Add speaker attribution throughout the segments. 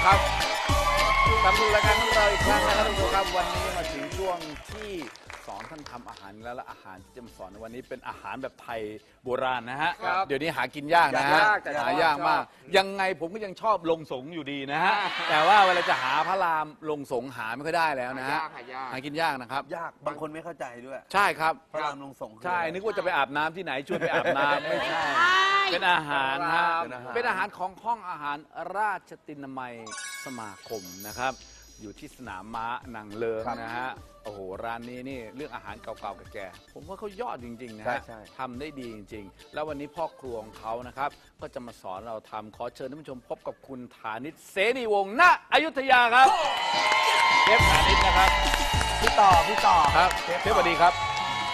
Speaker 1: ครับกลับมาดูรายการของเราอีกครั้งนะครับทุกท่านครับวันนี้มาถึงช่วงที่สอนท่านทำอาหารแล้วและอาหารที่จะมาสอนในวันนี้เป็นอาหารแบบไทยโบราณนะฮะเดี๋ยวนี้หากินยากนะฮะหายากมากยังไงผมก็ยังชอบลงสงอยู่ดีนะฮะแต่ว่าเวลาจะหาพระรามลงสงหาไม่ค่อยได้แล้วนะฮะหากินยากนะครับ
Speaker 2: ยากบางคนไม่เข้าใจด้วย
Speaker 1: ใช่ครับ
Speaker 2: พระรามลงสง
Speaker 1: ใช่นึกว่าจะไปอาบน้ำที่ไหนชวนไปอาบน้ำไม่ใช่เป็นอาหารฮะเป็นอาหารของห้องอาหารราชตินามัยสมาคมนะครับอยู่ที่สนามม้านางเลิงนะฮะโอ้โหร้านนี้นี่เรื่องอาหารเก่าๆแก่ๆผมว่าเขายอดจริงๆนะฮะทำได้ดีจริงๆแล้ววันนี้พ่อครัวของเขานะครับก็จะมาสอนเราทำขอเชิญท่านผู้ชมพบกับคุณฐานิชเสนีวงศ์ณอยุธยาครับเชฟฐานิชนะครับ
Speaker 2: พี่ต่อ
Speaker 1: ครับเชฟสวัสดีครับ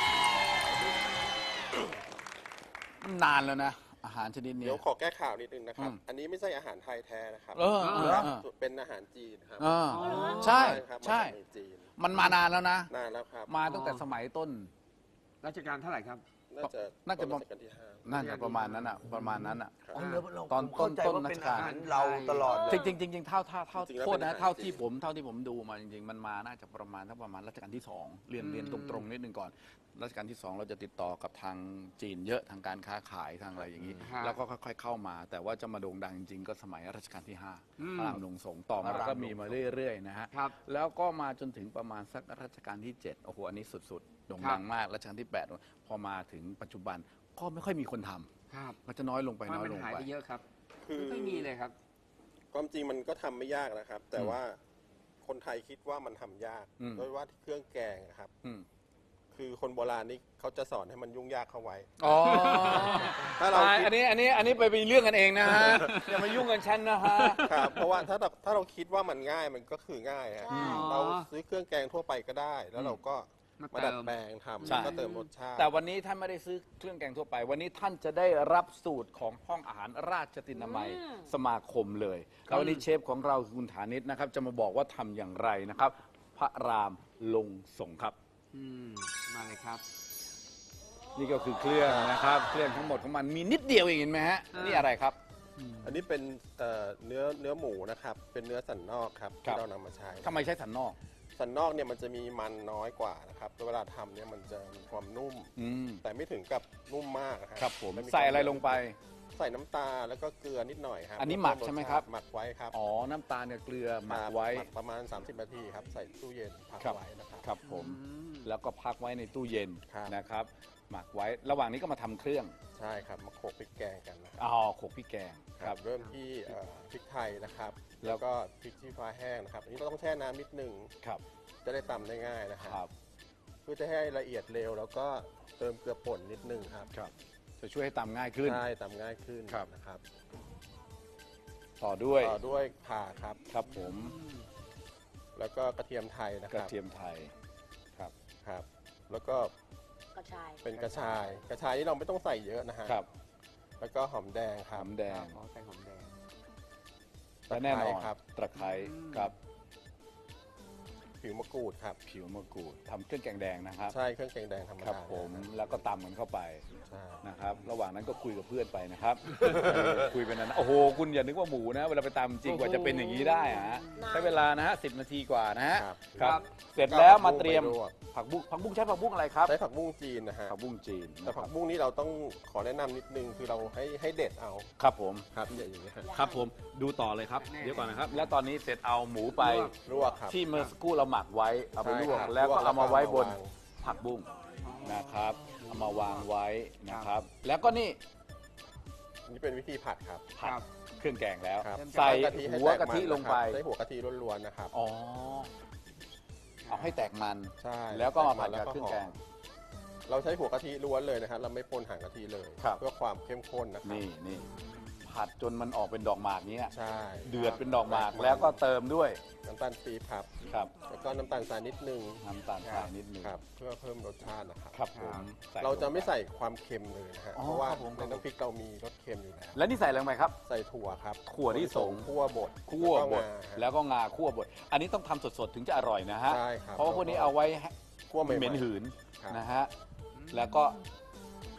Speaker 1: นานแล้วนะอาหารชนิดนี้
Speaker 3: เดี๋ยวขอแก้ข่าวนิดนึงนะครับอันนี้ไม่ใช่อาหารไทยแท้นะครับเป็นอาหารจีนครับ
Speaker 1: ใช่
Speaker 3: ครับ
Speaker 1: ใช่มันมานานแล้วนะ
Speaker 3: นานแล้วครับ
Speaker 1: มาตั้งแต่สมัยต้น
Speaker 4: รัชกาลเท่าไหร่ครับ
Speaker 3: น่าจะ
Speaker 1: รัชกาลที่ 5น่าจะประมาณนั้นอ่ะตอนต้นรัชกาล
Speaker 2: เราตลอด
Speaker 1: จริงเท่าโทษนะเท่าที่ผมดูมาจริงๆมันมาน่าจะประมาณรัชกาลที่ 2เรียนตรงๆนิดนึงก่อนรัชกาลที่ 2เราจะติดต่อกับทางจีนเยอะทางการค้าขายทางอะไรอย่างนี้แล้วก็ค่อยๆเข้ามาแต่ว่าจะมาโด่งดังจริงๆก็สมัยรัชกาลที่ 5พระรามลงสงต่อมาก็มีมาเรื่อยๆนะฮะแล้วก็มาจนถึงประมาณสักรัชกาลที่ 7โอ้โหอันนี้สุดๆโด่งดังมากรัชกาลที่ 8พอมาถึงปัจจุบันก็ไม่ค่อยมีคนทำมันจะน้อยลงไป
Speaker 4: มันหายไปเยอะครับไม่ค่อยมีเลยครับ
Speaker 3: ความจริงมันก็ทำไม่ยากนะครับแต่ว่าคนไทยคิดว่ามันทำยากโดยว่าเครื่องแกงครับคือคนโบราณนี่เขาจะสอนให้มันยุ่งยากเข้าไว้
Speaker 1: ถ้าเราอันนี้ไปเรื่องกันเองนะฮะอย่ามายุ่งกันฉันนะฮะ
Speaker 3: ครับเพราะว่าถ้าเราคิดว่ามันง่ายมันก็คือง่ายฮะเราซื้อเครื่องแกงทั่วไปก็ได้แล้วเราก็มาดัดแปลงทำก็เติมรสชาติ
Speaker 1: แต่วันนี้ท่านไม่ได้ซื้อเครื่องแกงทั่วไปวันนี้ท่านจะได้รับสูตรของห้องอาหารราชตินามัยสมาคมเลยแล้ววันนี้เชฟของเราคุณฐานิชนะครับจะมาบอกว่าทำอย่างไรนะครับพระรามลงสงครับ
Speaker 4: มาเลยครับ
Speaker 1: นี่ก็คือเครื่องนะครับเครื่องทั้งหมดของมันมีนิดเดียวเองเห็นไหมฮะนี่อะไรครับ
Speaker 3: อันนี้เป็นเนื้อหมูนะครับเป็นเนื้อสันนอกครับที่เรานำมาใช้
Speaker 1: ทำไมใช้สันนอก
Speaker 3: สันนอกเนี่ยมันจะมีมันน้อยกว่านะครับเวลาทำเนี่ยมันจะมีความนุ่มแต่ไม่ถึงกับนุ่มมาก
Speaker 1: ครับผมใส่อะไรลงไป
Speaker 3: ใส่น้ำตาลแล้วก็เกลือนิดหน่อยครับ
Speaker 1: อันนี้หมักใช่ไหมครับ
Speaker 3: หมักไว้ครับ
Speaker 1: อ๋อน้ำตาลกับเกลือหมักไว้
Speaker 3: ประมาณ30 นาทีครับใส่ตู้เย็นพักไว้นะครับ
Speaker 1: ครับผมแล้วก็พักไว้ในตู้เย็นนะครับหมักไว้ระหว่างนี้ก็มาทำเครื่อง
Speaker 3: ใช่ครับมาโขลกพริกแกงกันนะ
Speaker 1: โขลกพริกแกง
Speaker 3: ครับเริ่มที่พริกไทยนะครับแล้วก็พริกชี้ฟ้าแห้งนะครับอันนี้เราต้องแช่น้ำนิดนึง
Speaker 1: ครับ
Speaker 3: จะได้ตำได้ง่ายนะครับเพื่อจะให้ละเอียดเร็วแล้วก็เติมเกลือป่นนิดนึงครับ
Speaker 1: จะช่วยให้ตำง่ายขึ้น
Speaker 3: ใช่ตำง่ายขึ้นนะครับ
Speaker 1: ต่อด้วย
Speaker 3: ข่าครับ
Speaker 1: ครับผม
Speaker 3: แล้วก็กระเทียมไทยนะครับ
Speaker 1: กระเทียมไทย
Speaker 3: ครับแล้วก็
Speaker 5: กระชาย
Speaker 3: เป็นกระชายนี่เราไม่ต้องใส่เยอะนะฮะแล้วก็หอมแดงครับ
Speaker 1: หอมแดง
Speaker 4: ใส่หอมแดง
Speaker 1: และแน่นอนครับตะไคร้ครับ
Speaker 3: ผิวมะกรูดครับ
Speaker 1: ผิวมะกรูดทำเครื่องแกงแดงนะครับ
Speaker 3: ใช่เครื่องแกงแดงธรรมดาครับ
Speaker 1: ผมแล้วก็ตำมันเข้าไปนะครับระหว่างนั้นก็คุยกับเพื่อนไปนะครับคุยไปนั้นโอ้โหคุณอย่านึกว่าหมูนะเวลาไปตำจริงกว่าจะเป็นอย่างนี้ได้ฮะใช้เวลานะฮะ10 นาทีกว่านะฮะครับเสร็จแล้วมาเตรียมผักบุ้งใช้ผักบุ้งอะไรครับ
Speaker 3: ใช้ผักบุ้งจีนนะฮะ
Speaker 1: ผักบุ้งจีน
Speaker 3: แต่ผักบุ้งนี้เราต้องขอแนะนำนิดนึงคือเราให้เด็ดเอา
Speaker 1: ครับผม
Speaker 3: ครับอย่างนี้
Speaker 1: ครับผมดูต่อเลยครับเดี๋ยวก่อนนะครับแล้วตอนนี้เสร็จเอาหมูไป
Speaker 3: ลวกครับ
Speaker 1: ที่เมื่อสักครู่เราหมักไว้เอาไปลวกแล้วก็เอามาไว้บนผักบุ้งนะครับเอามาวางไว้นะครับแล้วก็นี่
Speaker 3: เป็นวิธีผัดครับ
Speaker 1: ผัดเครื่องแกงแล้วใส่หัวกะทิลงไป
Speaker 3: ใส่หัวกะทิล้วนๆนะครับ
Speaker 1: อ๋อเอาให้แตกมัน
Speaker 3: ใช่
Speaker 1: แล้วก็มาผัดกับเครื่องแกง
Speaker 3: เราใช้หัวกะทิล้วนเลยนะครับเราไม่ปนหางกะทิเลยเพื่อความเข้มข้นนะครับ
Speaker 1: นี่ผัดจนมันออกเป็นดอกหมากนี้
Speaker 3: ใช่
Speaker 1: เดือดเป็นดอกหมากแล้วก็เติมด้วย
Speaker 3: น้ำตาลปี๊บครับแล้วก็น้ำตาลทรายนิดนึง
Speaker 1: น้ำตาลทรายนิดนึง
Speaker 3: ครับเพื่อเพิ่มรสชาตินะครับ
Speaker 1: ครับผม
Speaker 3: เราจะไม่ใส่ความเค็มเลยนะฮะเพราะว่าในน้ำพริกเรามีรสเค็มอยู่แล้ว
Speaker 1: แล้วนี่ใส่อะไรลงไปครับ
Speaker 3: ใส่ถั่วครับ
Speaker 1: ถั่วที่สง
Speaker 3: คั่วบด
Speaker 1: แล้วก็งาคั่วบดอันนี้ต้องทำสดๆถึงจะอร่อยนะฮะเพราะว่าพวกนี้เอาไว้
Speaker 3: คั่ว
Speaker 1: เหม็นหืนนะฮะแล้วก็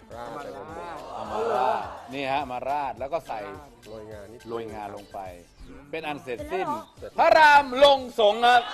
Speaker 3: ราดไปบนหมู
Speaker 1: เอามาราดนี่ฮะมาราดแล้วก็ใส่
Speaker 3: โรยงานิด
Speaker 1: โรยงาลงไป เป็นอันเสร็จ
Speaker 2: เสร็จ
Speaker 1: สิ้น
Speaker 2: แล้วเหรอ
Speaker 1: พระรามลงสงฆ์ครับ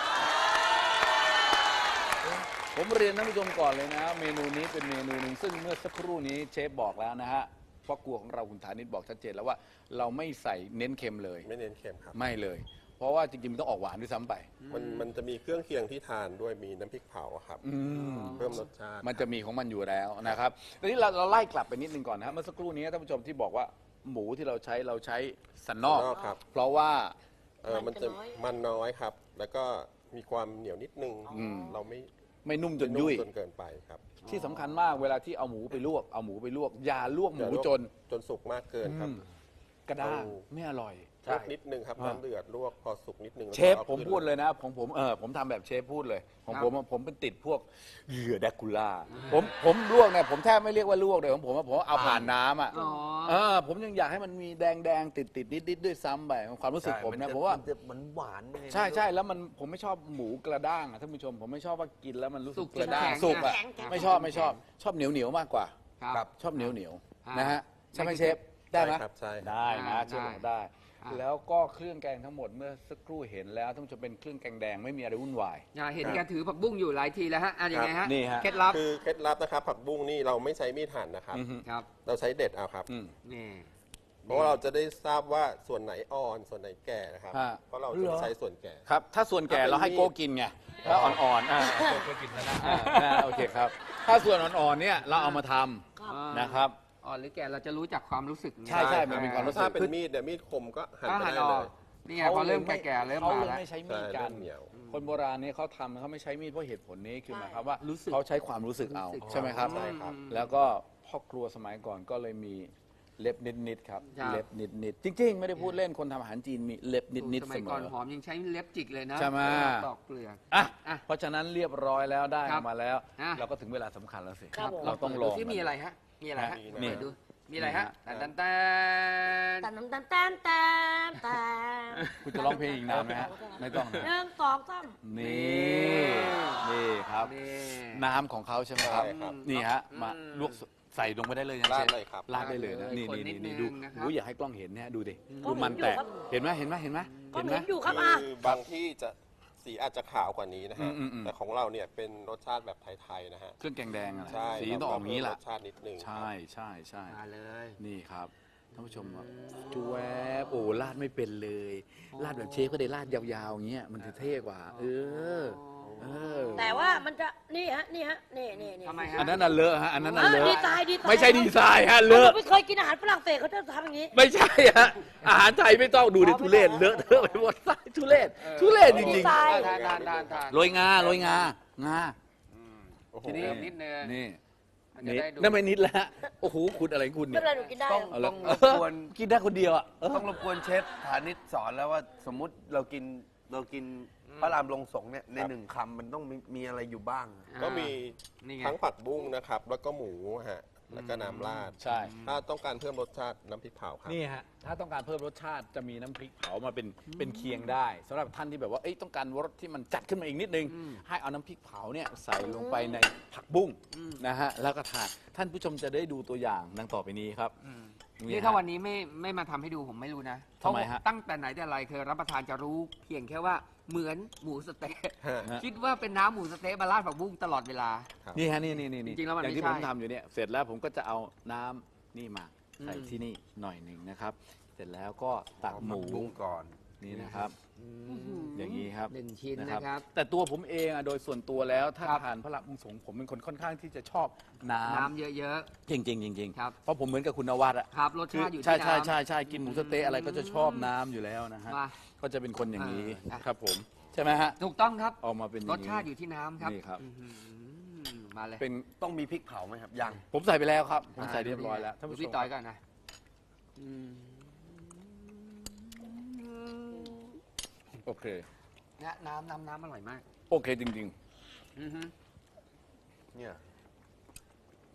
Speaker 1: ผมเรียนท่านผู้ชมก่อนเลยนะ เมนูนี้เป็นเมนูหนึ่งซึ่งเมื่อสักครู่นี้เชฟบอกแล้วนะฮะพ่อครัวของเราคุณฐานิชบอกชัดเจนแล้วว่าเราไม่ใส่เน้นเค็มเลย
Speaker 3: ไม่เน้นเค็มครับ
Speaker 1: ไม่เลย เพราะว่าจริงๆมันต้องออกหวานด้วยซ้ำไป
Speaker 3: มันจะมีเครื่องเคียงที่ทานด้วยมีน้ำพริกเผาอะครับเพิ่มรสชาติ
Speaker 1: มันจะมีของมันอยู่แล้วนะครับทีนี้เราไล่กลับไปนิดนึงก่อนนะครับเมื่อสักครู่นี้ท่านผู้ชมที่บอกว่าหมูที่เราใช้สันนอก
Speaker 3: สันนอกครับ
Speaker 1: เพราะว่า
Speaker 3: มันจะมันน้อยครับ แล้วก็มีความเหนียวนิดนึง เราไม่
Speaker 1: ไม่นุ่มจนยุ่ย
Speaker 3: จนเกินไปครับ
Speaker 1: ที่สำคัญมากเวลาที่เอาหมูไปลวกอย่าลวกหมู
Speaker 3: อย่าลวก
Speaker 1: จน
Speaker 3: จนสุกมากเกินครับ
Speaker 1: กระด้าง
Speaker 3: เอา
Speaker 1: ไม่อร่อย
Speaker 3: ลวกนิดนึงครับน้ำเดือดลวกพอสุกนิดนึงแล้ว
Speaker 1: เชฟ
Speaker 3: ก็อา
Speaker 1: ผม
Speaker 3: ขึ้น
Speaker 1: พูดเลยนะผมทำแบบเชฟพูดเลยของผมเป็นติดพวกเหยื่อแดกคูล่าผมลวกเนี่ยผมแทบไม่เรียกว่าลวกเลยของผมเอาผ่านน้ำอ่ะ
Speaker 4: อ๋อ
Speaker 1: ผมยังอยากให้มันมีแดงติดนิดด้วยซ้ำไปความรู้สึกผมนะผมว่า
Speaker 2: นจะมันหวานไง
Speaker 1: ใช่แล้วผมไม่ชอบหมูกระด้างอ่ะท่านผู้ชมผมไม่ชอบว่ากินแล้วมันรู้สึ
Speaker 4: สุ
Speaker 1: ก
Speaker 4: ก
Speaker 1: กระด้าง
Speaker 4: แข็งๆ
Speaker 1: สุกอ่ะ
Speaker 5: แข็งๆ
Speaker 1: ไม่ชอบเหนียวมากกว่า
Speaker 4: ครับ
Speaker 1: ชอบเหนียว
Speaker 4: อ่า
Speaker 1: นะฮะใช่ไหมเชฟได้ไหม
Speaker 3: ใช่ครับใช่ครับ
Speaker 1: ได้นะเชฟบอกได้
Speaker 4: อ่า
Speaker 1: แล้วก็เครื่องแกงทั้งหมดเมื่อสักครู่เห็นแล้วท่านผู้ชมเป็นเครื่องแกงแดงไม่มีอะไรวุ่นวาย
Speaker 4: เห็นแกถือผักบุ้งอยู่หลายทีแล้วฮะยังไงฮะ
Speaker 1: นี่ฮะ
Speaker 4: เคล็ดลับ
Speaker 3: คือเคล็ดลับนะครับผักบุ้งนี่เราไม่ใช้มีดหั่นนะครับ
Speaker 1: อือฮึ
Speaker 4: ครับ
Speaker 3: เราใช้เด็ดเอาครับ
Speaker 4: นี่
Speaker 3: เพราะว่าเราจะได้ทราบว่าส่วนไหนอ่อนส่วนไหนแก่นะครับ
Speaker 1: ฮะ
Speaker 3: เพราะเราจะใช้ส่วนแก่
Speaker 1: ครับถ้าส่วนแก่เราให้โก้กินไงถ้าอ่อนๆโก้กินนะโอเคครับถ้าส่วนอ่อนๆเนี่ยเราเอามาทำนะครับ
Speaker 4: อ่อนหรือแก่เราจะรู้จากความรู้สึก
Speaker 1: ใช่มันมีความรู้สึก
Speaker 3: ถ้าเป็นมีดเนี่ยมีดคมก็หั่น
Speaker 4: ก็
Speaker 3: ไป
Speaker 4: หั่น
Speaker 3: ได้
Speaker 4: อ
Speaker 3: เล
Speaker 4: อก
Speaker 3: ย
Speaker 4: นี่ไงพอเริ่มแก่ๆเริ่ม
Speaker 1: เขา
Speaker 4: มา
Speaker 1: เลย
Speaker 4: แล้ว
Speaker 1: ไม่ใช้มีด
Speaker 3: ใช่
Speaker 1: กั
Speaker 3: เริ่
Speaker 1: น
Speaker 3: มเหนียว
Speaker 1: คนโบราณเนี่ยเขาทำเขาไม่ใช้มีดเพราะเหตุผลนี้คือหมายความว่า
Speaker 4: รู้สึก
Speaker 1: เขาใช้ความรู้สึกเอา
Speaker 4: รู้สึก
Speaker 1: ใช่ไหมครับ
Speaker 3: ใช่ครับ
Speaker 1: แล้วก็พ่อครัวสมัยก่อนก็เลยมีเล็บนิดๆครับ
Speaker 4: ครับ
Speaker 1: เล็บนิดๆจริงๆ ไม่ได้พูดเล่นคนทำอาหารจีนมีเล็บนิด
Speaker 4: ส
Speaker 1: ๆ
Speaker 4: มั
Speaker 1: เส
Speaker 4: ย
Speaker 1: ม
Speaker 4: ก่อน
Speaker 1: อ
Speaker 4: หอมยังใช้เล็บจิกเลยนะ
Speaker 1: ใช่ไหม
Speaker 4: ตอกเปลือก
Speaker 1: อ่ะ
Speaker 4: อ่ะ
Speaker 1: เพราะฉะนั้นเรียบร้อยแล้วได้
Speaker 4: ค
Speaker 1: อ
Speaker 4: รั
Speaker 1: อบ กมาแล้ว
Speaker 4: อ่ะ
Speaker 1: เราก็ถึงเวลาสำคัญแล้วสิ
Speaker 5: ครับผม
Speaker 1: เราต้องล
Speaker 4: ดู
Speaker 1: อง
Speaker 4: ที่มีอะไรฮะมีอะไรฮะ
Speaker 1: นี่
Speaker 4: เปิดดูมีอะไรฮะ
Speaker 3: นี่
Speaker 4: ตัน
Speaker 3: นะ
Speaker 4: ตัน
Speaker 5: ตันตันตันตันตัน
Speaker 1: คุณจะร้องเพลงอีกนานไหมฮะไม่ต้องนะ
Speaker 5: หนึ่งสองสาม
Speaker 1: นี่ครับ
Speaker 4: นี่
Speaker 1: น้ำของเขาใช่ไหมครับ
Speaker 3: ใช่ครับ
Speaker 1: นี่ฮะมาลวกใส่ลงไปได้เลยนะ
Speaker 3: ราด
Speaker 1: เชฟ
Speaker 3: เลยครับ
Speaker 1: ราดได้เลยนะนี่
Speaker 4: คนนิดนึง
Speaker 1: ดู
Speaker 4: นะครับ
Speaker 1: ดูอยากให้กล้องเห็นเนี่ยดูดิ
Speaker 5: ก็
Speaker 1: ดูมันแตก
Speaker 5: เห็นอยู่ครับ
Speaker 1: เห็นไหม
Speaker 5: ก็
Speaker 1: เห็นไหม
Speaker 5: เห็นอยู่ครับ
Speaker 3: คือบางที่จะสีอาจจะขาวกว่านี้นะฮะ
Speaker 1: อืม
Speaker 3: แต่ของเราเนี่ยเป็นรสชาติแบบไทยๆนะฮะ
Speaker 1: เครื่องแกงแดงอะนะ
Speaker 3: ใช่
Speaker 1: สีต้องออกอย่างนี้แหละ
Speaker 3: รสชาตินิดนึง
Speaker 1: ใช่ใช่
Speaker 4: มาเลย
Speaker 1: นี่ครับท่านผู้ชมครับจวบโอ้ราดไม่เป็นเลยราดแบบเชฟก็ได้ราดยาวๆอย่างเงี้ยมันจะเท่กว่า เออ
Speaker 5: แต่ว่ามันจะนี่ฮะนี่
Speaker 4: ทำไมฮะ
Speaker 1: อันนั้นน่ะเลอะฮะอันนั้นน่ะเล
Speaker 5: ดี
Speaker 1: อะ
Speaker 5: ไซน์
Speaker 1: ไม่ใช่ดีไซน์ฮะเล
Speaker 5: เรา
Speaker 1: อะ
Speaker 5: ไม่เคยกินอาหารฝรั่งเศสเขาจะทำอย่างนี้
Speaker 1: ไม่ใช่ฮะอาหารไทยไม่ต้องดูดิทุเรศเลอะเทอะไปหมดทุเรศทุเรศจริง
Speaker 5: ดีไซน์
Speaker 4: ทาน
Speaker 1: ๆโรยงา
Speaker 3: โอ้โห
Speaker 4: ทีนี้นิดนึง
Speaker 1: นี่
Speaker 4: มันจะ
Speaker 1: นิด
Speaker 4: ได้ดู
Speaker 1: นั่นไม่นิดแล้วฮะโอ้โหคุณอะไรของคุณ
Speaker 5: ไม่
Speaker 1: เนี่ย
Speaker 5: เป็นไรหนูกินได้
Speaker 2: ต้อง
Speaker 1: เอาละ
Speaker 2: ต้องรบกวน
Speaker 1: กินได้คนเดียวอ่ะ
Speaker 2: ต้องรบกวนเชฟฐานิชสอนแล้วว่าสมมุติเรากินพระรามลงสงฆ์เนี่ยในหนึ่งคำมันต้องมีอะไรอยู่บ้าง
Speaker 3: ก็มี
Speaker 4: นี่ไง
Speaker 3: ทั้งผักบุ้งนะครับ แล้วก็หมูฮะแล้วก็น้ำราด
Speaker 1: ใช่
Speaker 3: ถ้าต้องการเพิ่มรสชาติน้ำพริกเผาครับ
Speaker 1: นี่ฮะถ้าต้องการเพิ่มรสชาติจะมีน้ำพริกเผามาเป็นเคียงได้สำหรับท่านที่แบบว่าต้องการรสที่มันจัดขึ้นมาอีกนิดนึง ให้เอาน้ำพริกเผาเนี่ยใส่ลงไปในผักบุ้งนะฮะแล้วก็ทานท่านผู้ชมจะได้ดูตัวอย่างดังต่อไปนี้ครับ
Speaker 4: นี่ถ้าวันนี้ไม่มาทำให้ดูผมไม่รู้นะ
Speaker 1: ทำไมฮะ
Speaker 4: ตั้งแต่ไหนแต่ไรเคยรับประทานจะรู้เพียงแค่ว่าเหมือนหมูสะเต๊ะ
Speaker 3: ฮะ
Speaker 4: คิดว่าเป็นน้ำหมูสะเต๊ะมาราดผักบุ้งตลอดเวลา
Speaker 1: นี่ฮะนี่
Speaker 4: จริงๆแล้วมัน
Speaker 1: อย่างที่
Speaker 4: ไม่
Speaker 1: ผ
Speaker 4: ใช่
Speaker 1: มทำอยู่เนี่ยเสร็จแล้วผมก็จะเอาน้ำนี่มาใส่
Speaker 4: อืม
Speaker 1: ที่นี่หน่อยหนึ่งนะครับ เสร็จแล้วก็ตักหมู
Speaker 2: บุ้งก่อน
Speaker 1: นี่นะครับ อย่างนี้ครับ
Speaker 4: หนึ่งชิ้นนะครับ
Speaker 1: แต่ตัวผมเองโดยส่วนตัวแล้วถ้า
Speaker 4: ครับ
Speaker 1: ทานพระราบุงสงฆ์ผมเป็นคนค่อนข้างที่จะชอบน้
Speaker 4: น้ำเยอะ
Speaker 1: ำจริงๆ
Speaker 4: ครับ
Speaker 1: เพราะผมเหมือนกับคุณนวัดอะ
Speaker 4: ๆครับรส
Speaker 1: คือ
Speaker 4: ชาติอยู่ที่
Speaker 1: ใช่
Speaker 4: น้ำ
Speaker 1: ใช่กินหมูสะเต๊ะอะไรก็จะชอบน้ำอยู่แล้วนะฮะ
Speaker 4: มา
Speaker 1: ก็จะเป็นคนอย่างนี้
Speaker 4: อ่ะ
Speaker 1: ครับผมใช่ไหมฮะ
Speaker 4: ถูกต้องครับ
Speaker 1: ออกมาเป็นอย่
Speaker 4: ร
Speaker 1: ง
Speaker 4: ส
Speaker 1: นี้
Speaker 4: ชาติอยู่ที่น้ำครับ
Speaker 1: นี่ครับ
Speaker 4: อื้อหือมาเลย
Speaker 1: เป็น
Speaker 2: ต้องมีพริกเผาไหมครับยัง
Speaker 1: ผมใส่ไปแล้วครับผมใส่เรียบร้อยแล้วท่าน
Speaker 4: ดู
Speaker 1: ผู้ช
Speaker 4: พี่
Speaker 1: ม
Speaker 4: ต้อยก่อนนะอืม
Speaker 1: โอเค
Speaker 4: เนี่ยน้ำอร่อยมาก
Speaker 1: โอเคจริง
Speaker 4: อือฮึ
Speaker 2: เนี่ย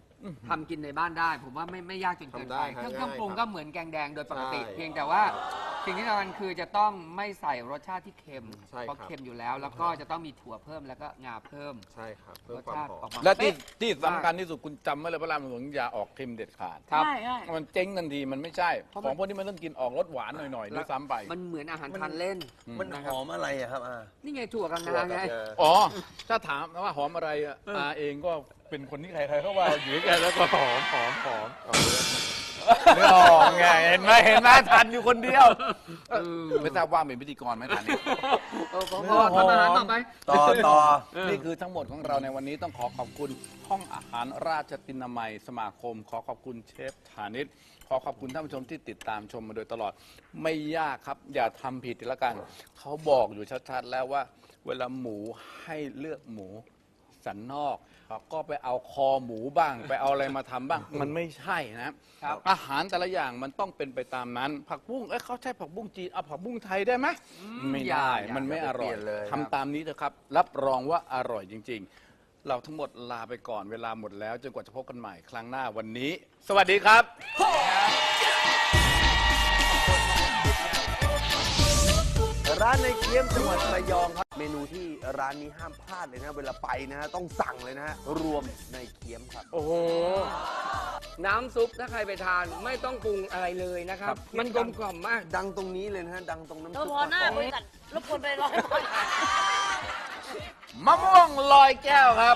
Speaker 4: ทำกินในบ้านได้ ผมว่าไม่ยากจนเกิน
Speaker 3: ทำได้
Speaker 4: ไป
Speaker 3: ฮะ
Speaker 4: เครื่องปรุง
Speaker 3: ง่ายครับ
Speaker 4: ก็เหมือนแกงแดงโดยปกติ
Speaker 3: ใช่
Speaker 4: เพียงแต่ว่าสิ่งที่สำคัญคือจะต้องไม่ใส่รสชาติที่เค็ม
Speaker 3: ใช่
Speaker 4: เพราะ
Speaker 3: ครับ
Speaker 4: เค็มอยู่แล้ว แล้วก็จะต้องมีถั่วเพิ่มแล้วก็งาเพิ่ม
Speaker 3: ใช่ครับเพิ่
Speaker 4: ร
Speaker 3: ม
Speaker 4: ส
Speaker 3: ความ
Speaker 4: ชาติ
Speaker 3: หอ
Speaker 4: ออก
Speaker 3: ม
Speaker 4: มา
Speaker 1: และที่
Speaker 4: เป๊ะ
Speaker 1: ที่สำคัญที่สุดคุณจำไว้เลยพระรามหลวงอย่าออกเค็มเด็ดขาด
Speaker 4: ครับ
Speaker 5: ใช่ใช่
Speaker 1: มันเจ๊งทันทีมันไม่ใช่
Speaker 4: เพราะ
Speaker 1: ข
Speaker 4: มัน
Speaker 1: องพวกนี้มันต้องกินออกรสหวานหน่อยๆด้วยซ้ำไป
Speaker 4: มันเหมือนอาหารทานเล่น
Speaker 2: มันหอมอะไรอะครับ
Speaker 4: นี่ไงถั่วกับ
Speaker 3: ถั่ว
Speaker 4: งา
Speaker 3: กับ
Speaker 4: ไง
Speaker 3: งา
Speaker 1: อ๋อ ถ้าถามว่าหอมอะไรอ่ะอาเองก็เป็นคนที่ใครๆเขาว่าอยู่ด้วยกันแล้วก็หอมเนื้อหอมไงเห็นไหมทันอยู่คนเดียวไม่ทราบว่าเป็นพิธีกรไหมทันนี่
Speaker 4: พอทำอาหารต่อไป
Speaker 2: ต่อ
Speaker 1: นี่คือทั้งหมดของเราในวันนี้ต้องขอขอบคุณห้องอาหารราชตินามัยสมาคม ขอขอบคุณเชฟฐานิชขอขอบคุณท่านผู้ชมที่ติดตามชมมาโดยตลอด ไม่ยากครับ อย่าทำผิดละกัน เขาบอกอยู่ชัดๆแล้วว่า เวลาหมูให้เลือกหมูสันนอกก็ไปเอาคอหมูบ้าง ไปเอาอะไรมาทำบ้าง มันไม่ใช่นะครับ อาหารแต่ละอย่างมันต้องเป็นไปตามนั้น ผักบุ้งเขาใช้ผักบุ้งจีนเอาผักบุ้งไทยได้ไหมไม่
Speaker 4: อย่า
Speaker 1: ได้
Speaker 4: อย่า
Speaker 1: มันไม่อร่อย
Speaker 2: อย่าไปเปลี่ยนเลย
Speaker 1: ทำตามนี้เถอะครับ รับรองว่าอร่อยจริง ๆ เราทั้งหมดลาไปก่อนเวลาหมดแล้วจนกว่าจะพบกันใหม่ครั้งหน้าวันนี้ สวัสดีครับ
Speaker 2: ร้านในเคียมจังหวัดระยองครับ เมนูที่ร้านนี้ห้ามพลาดเลยนะเวลาไปนะฮะต้องสั่งเลยนะฮะรวมในเคียมครับ
Speaker 4: โอ้โห น้ำซุปถ้าใครไปทานไม่ต้องปรุงอะไรเลยนะครับ มันกลมกล่อมมาก
Speaker 2: ดังตรงนี้เลยนะฮะดังตรงน้ำ
Speaker 5: เธอ
Speaker 2: ซุป
Speaker 5: พอหน้าบริษัทรบกวนไปร้อยบาท
Speaker 1: มะม่วงลอยแก้วครับ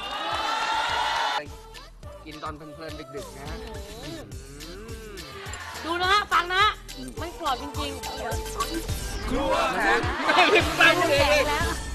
Speaker 4: กินตอนเพลินๆดึกๆนะ
Speaker 5: ดูนะฮะ ฟังนะฮะ มันกรอบจริงๆ เดี๋ยว
Speaker 4: ครัวแม่ริมตั้ง
Speaker 5: แข็
Speaker 4: เลย
Speaker 5: แล้ว